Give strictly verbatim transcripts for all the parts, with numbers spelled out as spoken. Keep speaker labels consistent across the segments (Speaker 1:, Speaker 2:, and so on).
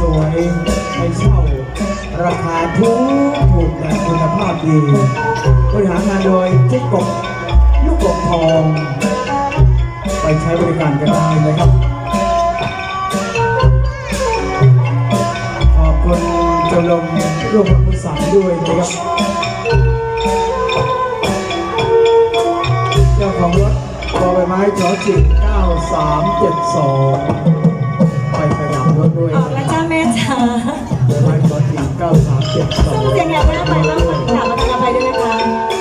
Speaker 1: วยๆให้เช่าราคาถูกถูกแต่คุณภาพดีบริหารงานโดยเจ๊กบลูกกบทองไปใช้บริการกันได้นะครับ ขอบคุณเจ้าลมร่วมกับผู้สั่งด้วยนะครับเจ้าของรถบอใบไม้จอจิกเก้าสามเจ็ดสองไปขยับรถด้วย
Speaker 2: ออกแล้วจ้าแม่จ๋า
Speaker 1: ใบไม้จอจิกเก้าสามเจ็ดสอง
Speaker 2: ส่งเสียงอยากไปแล้วไปบ้างค่ะกลับมาทางอภัยด้วยนะคะ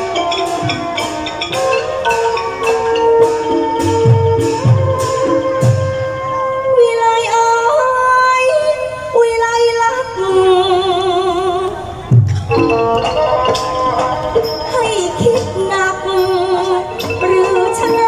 Speaker 2: วิไลเอ้ยวิไลลักให้คิดหนักหรือชะไหน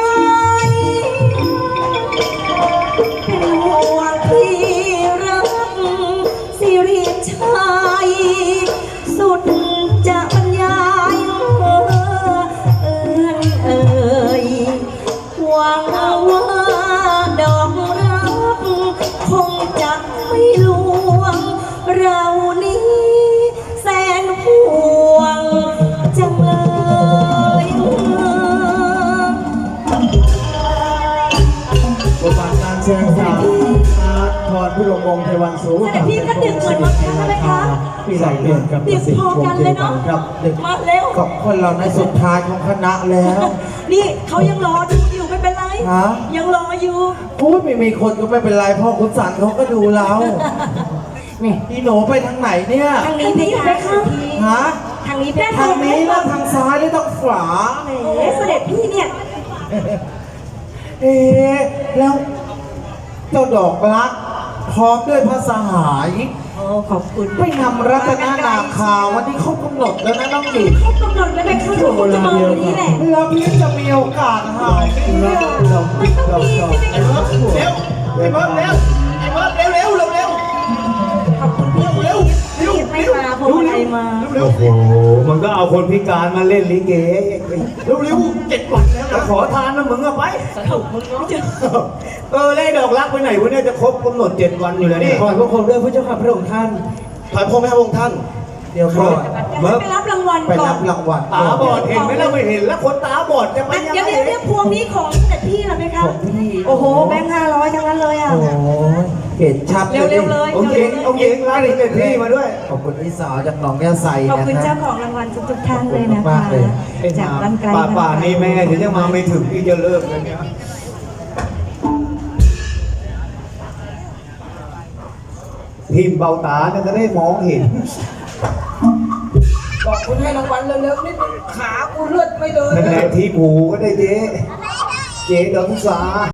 Speaker 2: เป็นห่วงพี่รักสิริชัยสุดจะบรรยายเอินเอ่ยหวังว่าดอกรักคงจะไม่ลวงเรานี้แสนห่วงจังเลย
Speaker 1: บทบาทการแสดงจากอาร์ตพรพิรมวงศ์เทวันสูง
Speaker 2: แต่พี่ก็ดึกเหมือนวันนั้นใช่ไหมคะ
Speaker 1: พี่ไหลเด่นกับ
Speaker 2: ดึกพอกันเลยเนาะ
Speaker 1: ครับดึก
Speaker 2: มาเร็ว
Speaker 1: กับคนเราในสุดท้ายของคณะแล้ว
Speaker 2: นี่เขายังรอดูอยู่ไม่เป็นไร
Speaker 1: ฮะ
Speaker 2: ยังรออยู่
Speaker 1: พูดไม่มีคนก็ไม่เป็นไรพ่อคุณสันเขาก็ดูเรา
Speaker 2: เนี่ย
Speaker 1: พี่หนูไปทางไหนเนี่ย
Speaker 2: ทางนี้เพคะ
Speaker 1: ฮะ
Speaker 2: ทางนี้เพคะ
Speaker 1: ทางนี้แล้วทางซ้ายหรือทางขวา
Speaker 2: แหมเสด็จพี่เนี่ย
Speaker 1: เอ๊ะแล้วเจ้าดอกรักพร้อมด้วยพระสหาย
Speaker 2: โอ้ขอบคุณ
Speaker 1: ไปนำรัตนนาคาวันนี้เขากำหนดแล้วนะน้องหญิง
Speaker 2: เขากำหนดแล้วไปเข้าถูกจะมาวันนี้แหละ
Speaker 1: แล้วพี่จะมีโอกาสหายไหมเนี่ยเรา
Speaker 2: มันต้องมีใช่ไหมคะ
Speaker 1: เร็วไอ้เบิร์ดเร็วไอ้เบิร์ดเร็วเร็วเร็วเร็ว
Speaker 2: ขอบคุณพี่
Speaker 1: เร็ว
Speaker 2: ที่ไม่มาพวงอะไรมา
Speaker 1: เร็ว
Speaker 3: โอ้โห มันก็เอาคนพิการมาเล่นลิเก
Speaker 1: เร็วเร็วเจ็ดวันแล้ว
Speaker 3: แต่
Speaker 1: นะ
Speaker 3: ขอทานนะมึงอะไป
Speaker 2: สนุกมึงเนาะ
Speaker 3: เออแล้วไอ้ดอกรักไปไหนวะเนี่ยจะครบกำหนดเจ็ดวันอยู่แล้วเนี่ย
Speaker 1: ขอพระคุณด้วยพระเจ้าข้าพระองค์ท่านถอยพระแม่พระองค์ท่าน เดี๋ยวก่อน
Speaker 2: ไปรับรางวัล
Speaker 1: ไป
Speaker 2: ก่อ
Speaker 1: รั
Speaker 2: น
Speaker 1: บรางวัล
Speaker 3: ตาบอดเห็นไหมเราไม่เห็นแล้วคนตาบอดจะไป
Speaker 2: อัน
Speaker 3: ยัง
Speaker 2: เดี๋ยว
Speaker 3: ไง
Speaker 2: เดี๋ยวเดี๋ยวพวงนี้ของเสด็จพี่เหรอไหมคะ
Speaker 1: ของพี่
Speaker 2: โอ้โหแบงค์ห้าร้อยทั้งนั้นเลยอ่ะ
Speaker 1: โอ้ยเห็นชัด
Speaker 2: เร็วๆเลย
Speaker 3: องค์หญิงองค์หญิงรักเด็พี่มาด้วย
Speaker 1: ขอบคุณพี่สาวจากหนองยาไซ
Speaker 2: ขอบ
Speaker 1: นะ
Speaker 2: คุณ
Speaker 1: ค
Speaker 2: เจ้า
Speaker 1: รับ
Speaker 2: ของรางวัลทุกๆท่านเลยนะ
Speaker 1: ขอบคุณ
Speaker 2: คะ
Speaker 1: มากเลย
Speaker 2: จากบ้านไกล
Speaker 3: ป่าป่านี่แม่เดี๋ยวจะมาไม่ถึงพี่จะเลิกแล้วเนี่ยพิมพ์เบาตาเนี่ยจะได้มองเห็น
Speaker 4: บอกคุณให้รางวัลเร็วๆนิดนึงขากูเลือดไม่เดิน
Speaker 3: นั่นแหละที่หมูก็ได้เจ๊ เจ๊ดอกพุษา